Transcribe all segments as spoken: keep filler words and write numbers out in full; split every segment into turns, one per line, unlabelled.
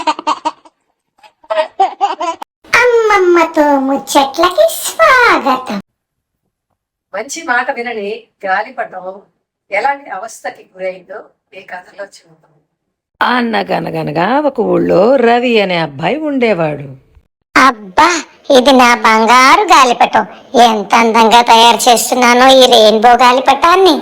అమ్మమ్మతో ముచ్చట్లకి స్వాగతం.
మంచి మాట వినని గాలిపటం ఎలాంటి అవస్థకి గురైందో ఈ కథలో చూద్దాం.
అన్నగనగనగా ఒక ఊళ్ళో రవి అనే అబ్బాయి ఉండేవాడు.
అబ్బా, ఇది నా బంగారు గాలిపటం. ఎంత అందంగా తయారు చేస్తున్నానో ఈ రెయిన్బో గాలిపటాన్ని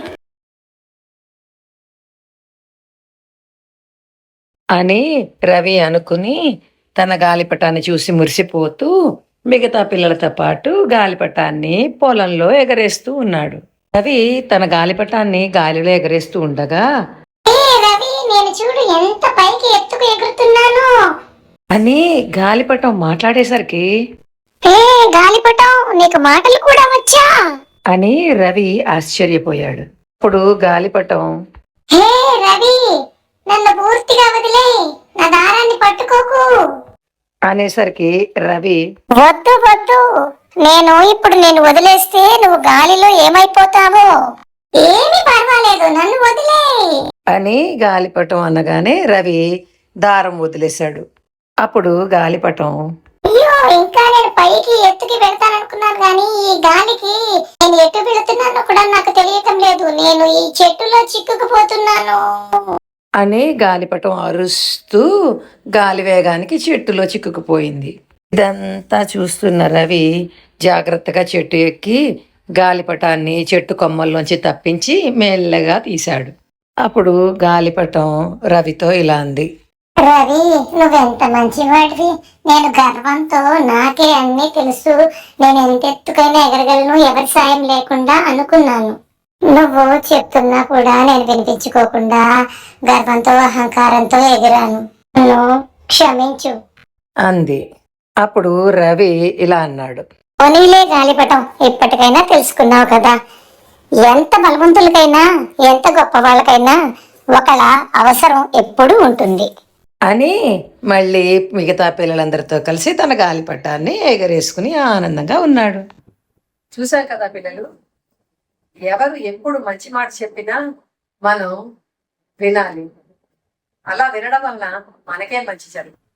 అని రవి అనుకుని తన గాలిపటాన్ని చూసి మురిసిపోతూ మిగతా పిల్లలతో పాటు గాలిపటాన్ని పొలంలో ఎగరేస్తూ ఉన్నాడు. రవి తన గాలిపటాన్ని గాలిలో ఎగరేస్తూ ఉండగా,
ఏ రవి, నేను చూడు ఎంత పైకి ఎత్తుకు ఎగురుతున్నాను
అని గాలిపటం మాట్లాడేసరికి,
ఏ గాలిపటం, నీకు మాటలు కూడా వచ్చా
అని రవి ఆశ్చర్యపోయాడు. అప్పుడు గాలిపటం,
హే రవి, నన్ను పూర్తిగా వదిలే, నా దారాన్ని పట్టుకోకు
అనేసరికి రవి,
వద్దు వద్దు, నేను ఇప్పుడు నేను వదిలేస్తే నువ్వు గాలిలో ఏమైపోతావో. ఏమి పర్వాలేదు, నన్ను వదిలే
అని గాలిపటం అనగానే రవి దారం వదిలేశాడు. అప్పుడు గాలిపటం,
అయ్యో, ఇంకా నేను పైకి ఎత్తుకి వెళ్తాననుకున్నాను గాని ఈ గాలికి నేను ఎటు వెళుతున్నానో కూడా నాకు తెలియటం లేదు. నేను ఈ చెట్టులో చిక్కుకుపోతున్నాను
అని గాలిపటం అరుస్తూ గాలి వేగానికి చెట్టులో చిక్కుకుపోయింది. ఇదంతా చూస్తున్న రవి జాగ్రత్తగా చెట్టు ఎక్కి గాలిపటాన్ని చెట్టు కొమ్మల్లోంచి తప్పించి మెల్లగా తీశాడు. అప్పుడు గాలిపటం రవితో ఇలా అంది,
రవి, నువ్వెంత మంచివాడివి. నేను గర్వంతో నాకే అన్నీ తెలుసు, నేను ఎంత ఎత్తుకైనా ఎగరగలను ఎవరి సాయం లేకుండా అనుకున్నాను. నువ్వు చెప్తున్నా కూడా నేను వినిపించుకోకుండా గర్వంతో అహంకారంతో ఎగిరాను. నన్ను క్షమించు
అంది. అప్పుడు రవి ఇలా అన్నాడు,
పోనీలే గాలిపటం, ఇప్పటికైనా తెలుసుకున్నావు కదా, ఎంత బలవంతులకైనా ఎంత గొప్ప వాళ్ళకైనా ఒకళ్ళ అవసరం ఎప్పుడూ ఉంటుంది
అని మళ్ళీ మిగతా పిల్లలందరితో కలిసి తన గాలిపటాన్ని ఎగరేసుకుని ఆనందంగా ఉన్నాడు.
చూశారు కదా పిల్లలు, ఎవరు ఎప్పుడు మంచి మాట చెప్పినా మనం వినాలి. అలా వినడం వల్ల మనకే మంచి జరుగుతుంది.